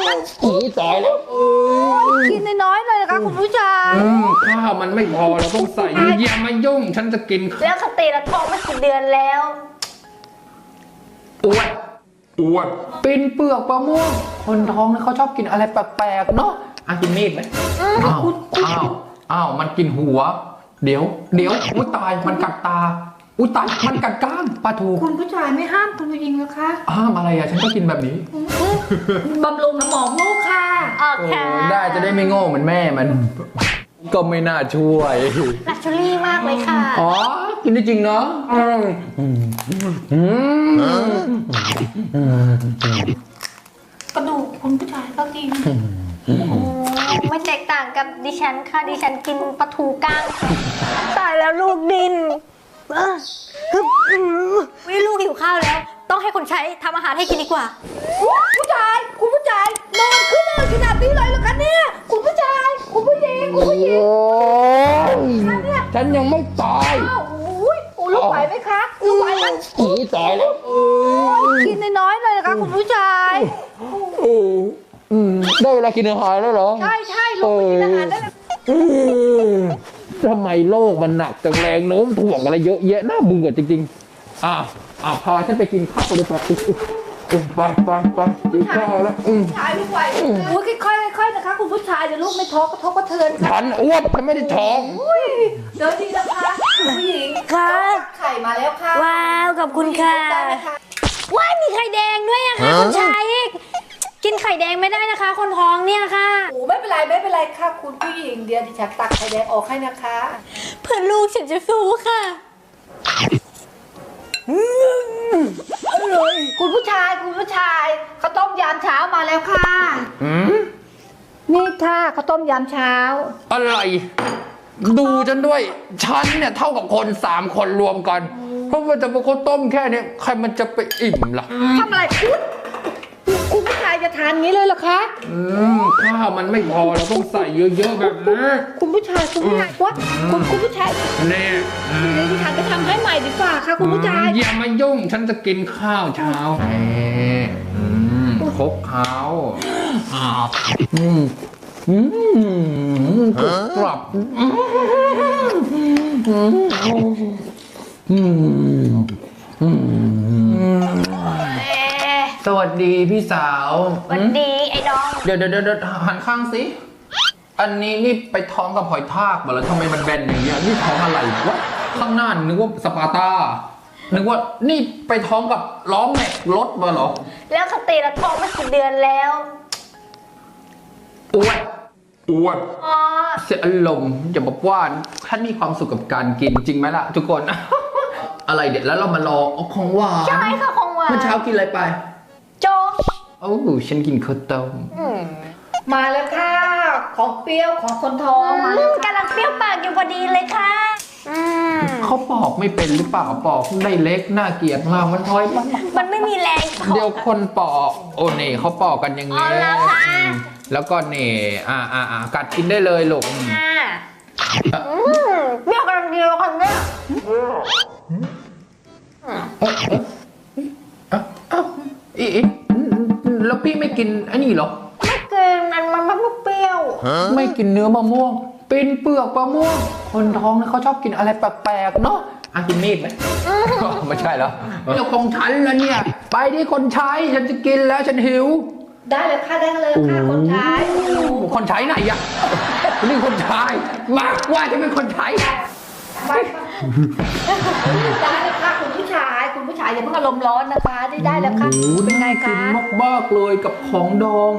อีตายแล้วกินน้อยๆเลยนะคะคุณผู้ชายข้าวมันไม่พอเราต้องใส่อย่ามายุ่งฉันจะกินแล้วสติละท้องมากี่เดือนแล้วอ้วนปินเปลือกมะม่วงคนท้องเนี่ยเขาชอบกินอะไรแปลกๆเนาะกินมีดไหมอ้าวมันกินหัวเดี๋ยวอุ้ยตายมันกัดตาอุ้ยตายมันกัดก้างปลาทูคุณผู้ชายไม่ห้ามคุณผู้หญิงนะคะห้ามอะไรฉันก็กินแบบนี้บำรุงสมองลูกค่ะโอเคได้จะได้ไม่โง่เหมือนแม่มันก็ไม่น่าช่วยลักชัวรี่มากเลยค่ะกินได้จริงเนาะกระดูกคุณผู้ชายก็กินไม่แตกต่างกับดิฉันค่ะดิฉันกินปลาทูก้างตายแล้วลูกดินไม่ลูกหิวข้าวแล้วต้องให้คนใช้ทำอาหารให้กินดีกว่าคุณผู้ชายนอนขึ้นเลยขนาดนี้เลยเหรอคะเนี่ยคุณผู้ชายคุณผู้หญิงฉันยังไม่ตายลูกไหวไหมคะลูกไหวไหมอีตายแล้วกินน้อยๆเลยนะคะคุณผู้ชายได้เวลากินอาหารแล้วเหรอใช่ลูกกินอาหารได้ทำไมโลกมันหนักจังแรงโน้มถ่วงอะไรเยอะแยะน่าเบื่อจริงๆพาฉันไปกินข้าวเลยไปกินข้าวแล้วชายลูกไหวค่อยๆนะคะคุณผู้ชายเดี๋ยวลูกไม่ท้องกระทบกระเทือนฉันอ้วนฉันไม่ได้ท้องเดี๋ยวดีนะคะผู้หญิงค่ะไข่มาแล้วค่ะว้าวขอบคุณค่ะว้ายมีไข่แดงด้วยอะค่ะคุณชายกินไข่แดงไม่ได้นะคะคนท้องเนี่ยค่ะไม่เป็นไรค่ะคุณผู้หญิงเดี๋ยวดิฉันตักไข่แดงออกให้นะคะเพื่อลูกฉันจะสู้ค่ะอร่อยคุณผู้ชายข้าวต้มยามเช้ามาแล้วค่ะนี่ค่ะข้าวต้มยามเช้าอะไรดูฉันด้วยฉันเนี่ยเท่ากับคน3 คนรวมกันเพราะว่าจะเป็นข้าวต้มแค่นี้ใครมันจะไปอิ่มล่ะทำอะไรคุณผู้ชายจะทานงี้เลยเหรอคะข้าวมันไม่พอเราต้องใส่เยอะๆแบบนี้คุณผู้ชายว่าคุณผู้ชายเนี่ยดิฉันจะทำให้ใหม่ดีกว่าค่ะคุณผู้ชายอย่ามายุ่งฉันจะกินข้าวเช้าครบข้าวกลับสวัสดีพี่สาวสวัสดีไอ้ดองเดี๋ยวหันข้างสิอันนี้นี่ไปท้องกับหอยทากมาแล้วทำไมมันแบนอย่างเงี้ยนี่ท้องอะไรวะข้างหน้านึกว่าสปาร์ตานึกว่านี่ไปท้องกับล้อแม็กรถมาหรอแล้วสติละท้องมากี่เดือนแล้วอ้วนเสียอารมณ์อย่าบอกว่าท่านมีความสุขกับการกินจริงไหมล่ะทุกคนอะไรเด็ดแล้วเรามารอของหวานใช่ค่ะของหวานเมื่อเช้ากินอะไรไปโจ๊กฉันกินข้าวต้มมาแล้วค่ะของเปรี้ยวของคนท้องกำลังเปรี้ยวปากอยู่พอดีเลยค่ะเขาปอกไม่เป็นหรือเปล่าปอกได้เล็กน่าเกลียดมากมันท้อยมันไม่มีแรงเดี๋ยวคนปอกเน่เขาปอกกันอย่างนี้แล้วก็เน่กัดกินได้เลยลูกเปรี้ยวกำลังดีเลยคนเนี้ยแล้วพี่ไม่กินอันนี้เหรอไม่กินมันไม่เปรี้ยวไม่กินเนื้อมะม่วงเป็นเปลือกมะม่วงคนท้องเนี่ยเขาชอบกินอะไรแปลกๆเนาะกินมีดไหมไม่ใช่แล้วเรื่องของฉันแล้วเนี่ยไปที่คนใช้ฉันจะกินแล้วฉันหิวได้เลยค่ะคนใช้ไหนอะนี่คนใช้มากว่าจะเป็นคนใช้ได้เลยค่ะคุณผู้ชายอย่าเพิ่งอารมณ์ร้อนนะคะได้แล้วค่ะเป็นไงคะกินมากๆเลยกับของดอง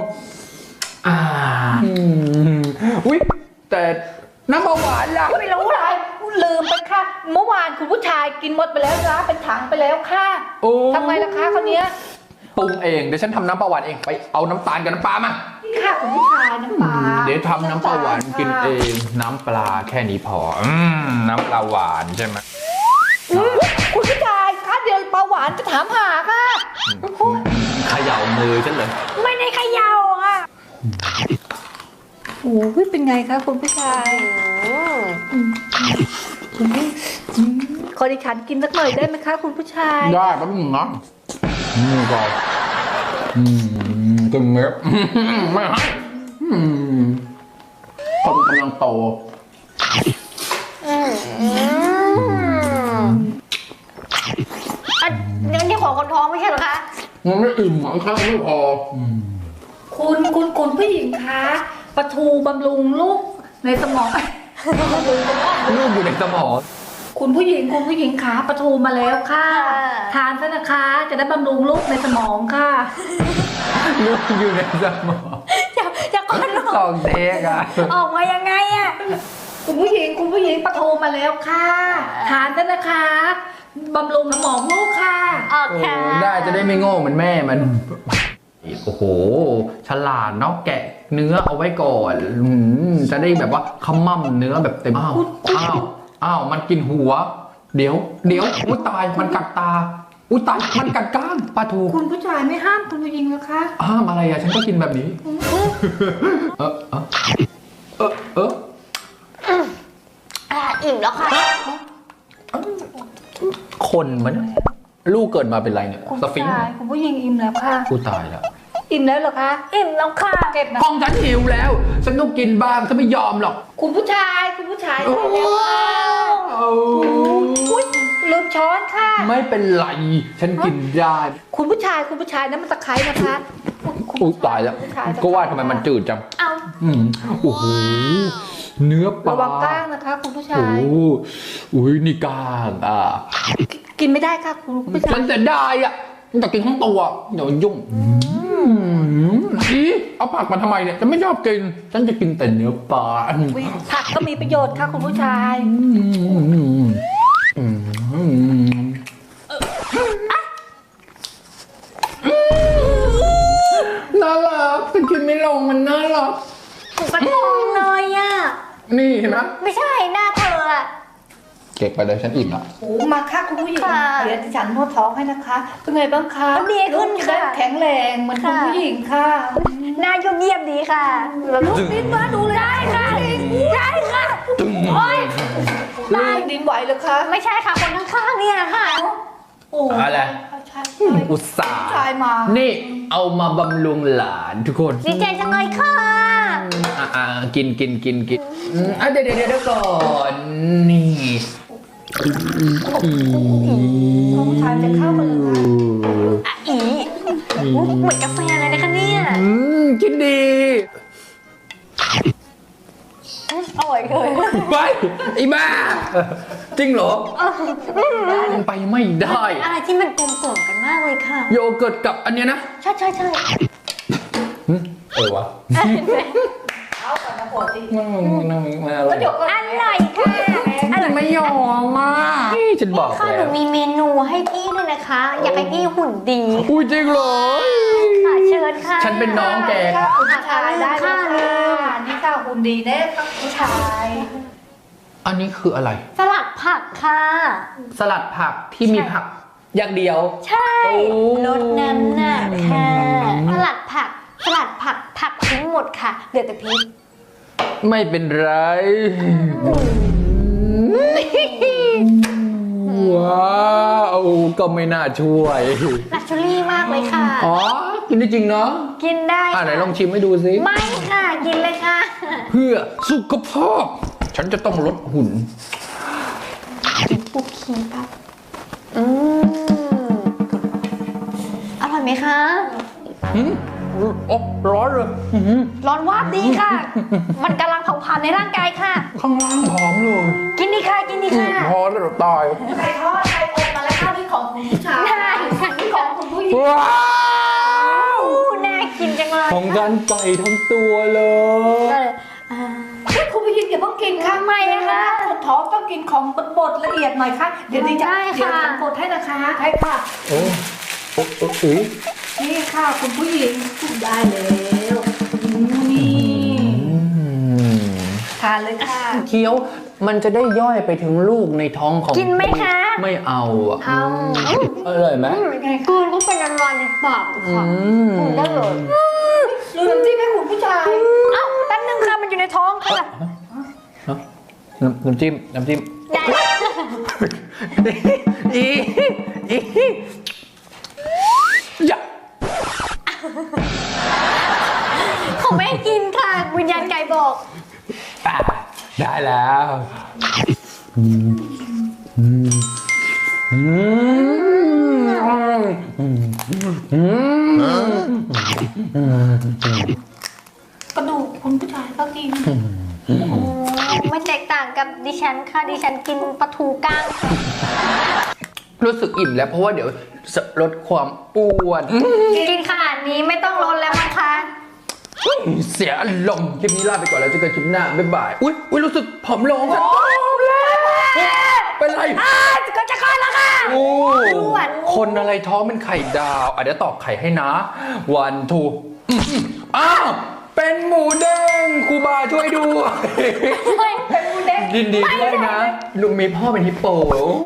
อุ๊ยแต่น้ำเบาหวานล่ะไม่รู้เลยลืมไปค่ะเมื่อวานคุณผู้ชายกินหมดไปแล้วจ้าเป็นถังไปแล้วค่ะทำไมล่ะคะคนนี้ปรุงเองเดี๋ยวฉันทำน้ำปลาหวานเองไปเอาน้ำตาลกับน้ำปลามาค่ะคุณผู้ชายน้ำปลาเดี๋ยวทำน้ำปลาหวานกินเองน้ำปลาแค่นี้พอน้ำปลาหวานใช่ไหมคุณผู้ชายคะเดี๋ยวปลาหวานจะถามหาค่ะเขย่ามือฉันเลยไม่ได้เขย่าค่ะโอ้ยเป็นไงคะคุณผู้ชายขอดิฉันกินสักหน่อยได้ไหมคะคุณผู้ชายได้แป๊บนึงนะนี่ก่อนตึงเม็ดไม่ให้คนกำลังโตนี่ของคนท้องไม่ใช่เหรอคะมันไม่อิ่มหรอกข้าวไม่พอคุณผู้หญิงคะปลาทูบำรุงลูกในสมองลูกอยู่ในสมองคุณผู้หญิงคะปลาทูมาแล้วค่ะ ทานซะนะคะ จะได้บำรุงลูกในสมองค่ะลูกอยู่ในสมองจะก่อนของเด็กอะออกมายังไงอะคุณผู้หญิงปลาทูมาแล้วค่ะ ทานซะนะคะบำรุงสมองลูกค่ะออกโอ้ค่ะได้จะได้ไม่โง่เหมือนแม่มัน โอ้โห ฉลาดเนาะแกะเนื้อเอาไว้ก่อนจะได้แบบว่าขมั่มเนื้อแบบเต็มอ้าวมันกินหัว เดี๋ยวอุ้ยตายมันกัดตาอุ้ยตายมันกัดก้างปลาทูคุณผู้ชายไม่ห้ามคุณผู้หญิงนะคะห้ามอะไรอะฉันก็กินแบบนี้อิ่มแล้วค่ะคนมันยลูกเกิดมาเป็นไรเนี่ยคุณสฟิงค์คุณผู้หญิงอิ่มแล้วค่ะกูตายแล้วอิ่มแล้วเหรอคะอิ่มแล้วค่ะเก็บนะห้องฉันหิวแล้วฉันต้องกินบ้างฉันไม่ยอมหรอกคุณผู้ชายโอ้ได้แล้วค่ะอุ๊ยลืมช้อนค่ะไม่เป็นไร ฉันกินได้คุณผู้ชายนั่นมันตะไคร้นะคะอุ้ยตายแล้วผู้ชายก็ว่าทำไมมันจืดจังเอาโอ้โหเนื้อปลาระวังก้างนะคะ คุณผู้ชาโอ้ยอุ้ยนี่กลางกินไม่ได้ค่ะคุณผู้ชาฉัยนจะได้อ่ะมันจะกินทั้งตัวเดี๋ยวยุ่งอีเอาผักมาทำไมเนี่ยฉันไม่ชอบกิน ฉันจะกินแต่เนื้อปลาผักก็มีประโยชน์ค่ะคุณผู้ชายน่ารักฉันกินไม่ลงมันน่ารักปลาทูเลยอะนี่เห็นไหมไม่ใช่หน้าเธออะเก็บไปเลยฉันอิ่มละโอ้มาค่ะคุณผู้หญิงค่ะเดี๋ยวดิฉันนวดท้องให้นะคะเป็นไงบ้างคะดีขึ้นค่ะลูกจได้แข็งแรงเหมือนคุณผู้หญิงค่ะหน้ายุ่งเยียบดีค่ะลูกดิ้นมาดูเลยได้ค่ะได้ค่ะโอ๊ยลูกดิ้นไหวเหรอคะไม่ใช่ค่ะคนข้างๆเนี่ยค่ะโอ้อะไรใช่อุตส่าห์ชายมานี่เอามาบำรุงหลานทุกคนดีใจจังเลยค่ะกินเดี๋ยวก่อนนี่น้องชายจะเข้ามาเลยค่ะเหมือนกาแฟเลยนะคะเนี่ยกินดีอร่อยเลยไปไอ้บ้าจริงเหรอไปไม่ได้อะไรที่มันกลมกล่อมกันมากเลยค่ะโยเกิร์ตกับอันเนี้ยนะใช่วะเอาก่อนนะปกติไม่อร่อยเดี๋ยวก่อนอร่อยค่ะอร่อยไม่ยอมมากฉันบอกค่ะหแล้นูวมีเมนูให้พี่ด้วยนะคะ อยากให้พี่หุ่นดีอุ้ยจริงเหรอค่ะเชิญค่ะฉันเป็นน้องแกค่ะคุณผู้ชายได้เลยค่ะค่ะนี่ค่ะหุ่นดีแน่ค่ะคุณผู้ชายอันนี้คืออะไรสลัดผักค่ะสลัดผักที่มีผักอย่างเดียวใช่โอ้ลดน้ำหนักค่ะสลัดผักทิ้งหมดค่ะเหลือแต่พริกไม่เป็นไร ว้าวก็ไม่น่าช่วยลักชัวรี่มากเลยค่ะอ๋อ กินได้จริงเนาะกินได้ไหนลองชิมให้ดูสิไม่ค่ะ กินเลยค่ะเพื่อสุขภาพ ฉันจะต้องลดหุ่นปุ๊กคีปั๊บอร่อยไหมคะโอ้ร้อนเลยร้อนวาบดีค่ะ มันกำลังเผาผลาญในร่างกายค่ะข้างล่างหอมเลยกินดีค่ะ กินดีค่ะพอแล้วเดี๋ยวตายไข่ทอดไข่อบมาแล้วค่ะที่ของคุณผู้ชายได้ค่ะที่ของคุณผู้หญิงว้าวน่ากินจังเลยของกันไก่ทั้งตัวเลยคุณผู้หญิงอย่าเพิ่งกินค่ะทำไมอะคะปวดท้องต้องกินของบดละเอียดหน่อยค่ะเดี๋ยวดิจะได้ค่ะเดี๋ยวฉันบดให้นะคะใช่ค่ะโอ้โอ้นี่ค่ะคุณผู้หญิงได้แล้วนี่ทานเลยค่ะเคี้ยวมันจะได้ย่อยไปถึงลูกในท้องของกินไหมคะไม่เอาอ่ะเอาอร่อยไหมกลืนก็เป็นอร่อยในปากค่ะได้เลยลืมที่แม่คุณผู้ชายเอ้าแป๊บนึงค่ะ มันอยู่ในท้องค่ะน้ำจิ้มได้อย่าเขาไม่ให้กินค่ะ วิญญาณไก่บอกอ่ะได้แล้วกระดูกคุณผู้ชายก็กินไม่แตกต่างกับดิฉันค่ะดิฉันกินปลาทูก้างรู้สึกอิ่มแล้วเพราะว่าเดี๋ยวลดความอ้วนกินขนาดนี้ไม่ต้องลดแล้วมั้งคะเสียอารมณ์คลิปนี้ลาไปก่อนแล้วเจอกันคลิปหน้าบ๊ายบายอุ้ยรู้สึกผอมลงค่ะเป็นไรก็จะคลอดแล้วค่ะโอ้อ้วนคนอะไรท้องเป็นไข่ดาวเดี๋ยวตอกไข่ให้นะวันทูอ้าวเป็นหมูเด้งครูบาช่วยด้วยเป็นหมูเด้งยินดีด้วยนะลุงมีพ่อเป็นฮิปโป